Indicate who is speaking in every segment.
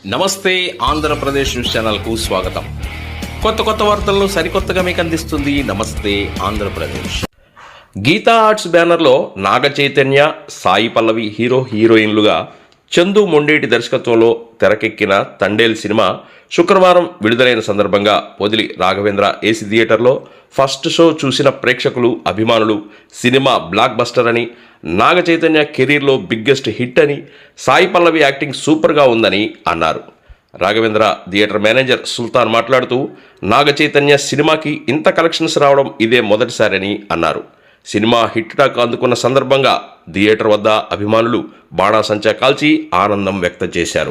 Speaker 1: నమస్తే ఆంధ్రప్రదేశ్ న్యూస్ ఛానల్కు స్వాగతం. కొత్త వార్తలను సరికొత్తగా మీకు అందిస్తుంది నమస్తే ఆంధ్రప్రదేశ్. గీతా ఆర్ట్స్ బ్యానర్లో నాగ చైతన్య, సాయి పల్లవి హీరోయిన్లుగా చందు మొండేటి దర్శకత్వంలో తెరకెక్కిన తండేల్ సినిమా శుక్రవారం విడుదలైన సందర్భంగా పొదిలి రాఘవేంద్ర ఏసీ థియేటర్లో ఫస్ట్ షో చూసిన ప్రేక్షకులు, అభిమానులు సినిమా బ్లాక్ బస్టర్ అని, నాగ చైతన్య కెరీర్లో బిగ్గెస్ట్ హిట్ అని, సాయి పల్లవి యాక్టింగ్ సూపర్గా ఉందని అన్నారు. రాఘవేంద్ర థియేటర్ మేనేజర్ సుల్తాన్ మాట్లాడుతూ నాగ చైతన్య సినిమాకి ఇంత కలెక్షన్స్ రావడం ఇదే మొదటిసారని అన్నారు. సినిమా హిట్ టాక్ అందుకున్న సందర్భంగా థియేటర్ వద్ద అభిమానులు బాణాసంచా కాల్చి ఆనందం వ్యక్తం చేశారు.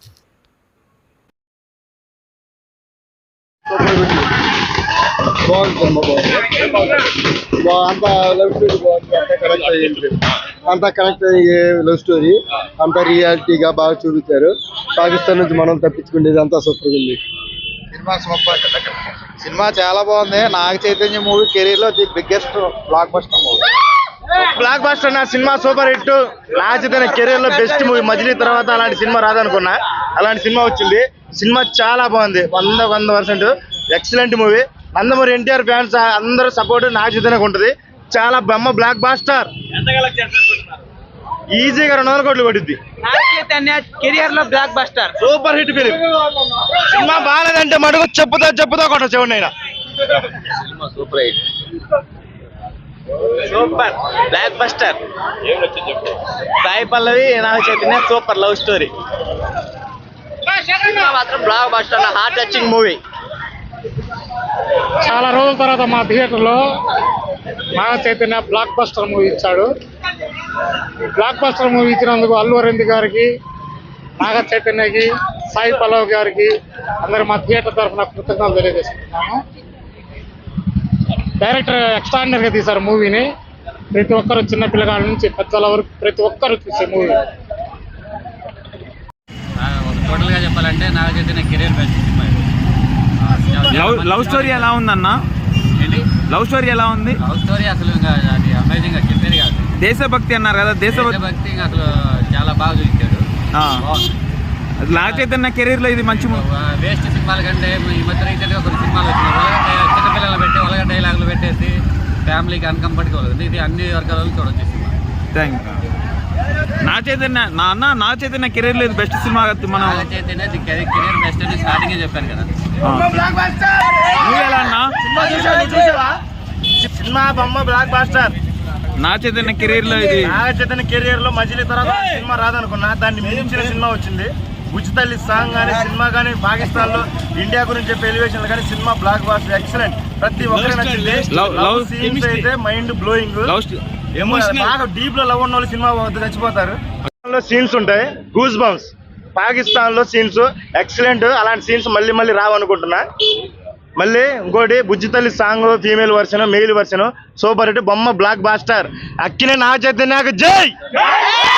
Speaker 2: అంత కనెక్ట్ అయ్యే లవ్ స్టోరీ, అంత రియాలిటీగా బాగా చూపించారు. పాకిస్తాన్ నుంచి మనం తప్పించుకునేది అంతా సూపర్ ఉంది.
Speaker 3: Cinema super. సినిమా చాలా బాగుంది. నాగ చైతన్య మూవీ కెరీర్ లో the biggest blockbuster movie. Blockbuster నా cinema super hit. Naga Chaitanya career లో బెస్ట్ మూవీ. మజిలీ తర్వాత అలాంటి సినిమా రాదనుకున్నా, అలాంటి సినిమా వచ్చింది. సినిమా చాలా బాగుంది. 100% excellent movie. Nandamuri NTR fans అందరూ సపోర్ట్ నాగ చైతన్యకు ఉంటుంది. చాలా బొమ్మ బ్లాక్ బాస్టర్. ఈజీగా 200 కోట్లు పడుద్ది.
Speaker 4: నాగ చైతన్య కెరియర్ లో blockbuster,
Speaker 3: super hit film. Cinema బాగాలేదంటే మడుగు చెప్పుతో కొట్ట చూడండి. అయినా
Speaker 4: super blockbuster. Sai Pallavi, Naga Chaitanya super love story. మాత్రం blockbuster, heart touching movie.
Speaker 5: చాలా రోజుల తర్వాత మా థియేటర్లో Naga Chaitanya blockbuster movie ఇచ్చాడు. బ్లాక్ బస్టర్ మూవీ ఇచ్చినందుకు అల్లు అరవింద్ గారికి, నాగ చైతన్యకి, సాయి పల్లవి గారికి అందరూ మా థియేటర్ తరఫున కృతజ్ఞతలు తెలియజేసుకుంటున్నాము. డైరెక్టర్ ఎక్స్ట్రాడినరీగా తీశారు మూవీని. ప్రతి ఒక్కరు, చిన్న పిల్లగాళ్ళ నుంచి పెద్దల వరకు ప్రతి ఒక్కరు చూసే మూవీ.
Speaker 6: టోటల్గా చెప్పాలంటే Naga Chaitanya career best cinema.
Speaker 7: Love story ఎలా ఉందన్నా?
Speaker 6: ఏంటి
Speaker 7: లవ్ స్టోరీ ఎలా ఉంది?
Speaker 6: లవ్ స్టోరీ అసలు ఇంకా అది అమేజింగ్ గా చెప్పేది కాదు.
Speaker 7: దేశభక్తి అన్నారు కదా,
Speaker 6: దేశభక్తి అసలు చాలా బాగా చూపించాడు.
Speaker 7: నాగ చైతన్య కెరీర్ లో ఇది మంచి
Speaker 6: వేస్ట్ సినిమాల కంటే ఈ మధ్య రీసెంట్గా కొన్ని సినిమాలు వచ్చినాయి. చిన్నపిల్లలు పెట్టి ఒలగ డైలాగులు పెట్టేసి ఫ్యామిలీకి అన్కంఫర్టబుల్ అవుతుంది. ఇది అన్ని వర్గాలలో చూడొచ్చు cinema.
Speaker 7: Thank you. Naga Chaitanya career లో ఇది బెస్ట్ సినిమా. మనం
Speaker 6: నాగ చైతన్య కెరీర్ బెస్ట్ అని స్టార్టింగే చెప్పాను కదా.
Speaker 7: నువ్వు ఎలా అన్నా?
Speaker 3: సినిమా బొమ్మ blockbuster.
Speaker 7: Naga Chaitanya career లో ఇది
Speaker 3: నాగ చైతన్య కెరియర్ లో మజిలీ తర్వాత సినిమా రాదనుకున్నా, దాన్ని మించిన సినిమా వచ్చింది. బుజ్జితల్లి సాంగ్ కానీ, సినిమా కానీ, పాకిస్తాన్ లో ఇండియా గురించి చెప్పే ఎలివేషన్ కానీ, సినిమా బ్లాక్ బాస్టర్ ఎక్సలెంట్. ప్రతి ఒక్కరికి నచ్చింది. లవ్ సీన్స్ అయితే మైండ్ బ్లోయింగ్. బాగా డీప్ లో లవ్ ఉన్న వాళ్ళు సినిమా చచ్చిపోతారు. సీన్స్ ఉంటాయి, గూస్ బంప్స్. పాకిస్తాన్ లో సీన్స్ ఎక్సలెంట్. అలాంటి సీన్స్ మళ్ళీ రావనుకుంటున్నా. మళ్ళీ ఇంకోటి Bujjithalli song female version, male version super hit. బొమ్మ బ్లాక్ బాస్టర్. అక్కినే నాగ చైతన్యకు జై.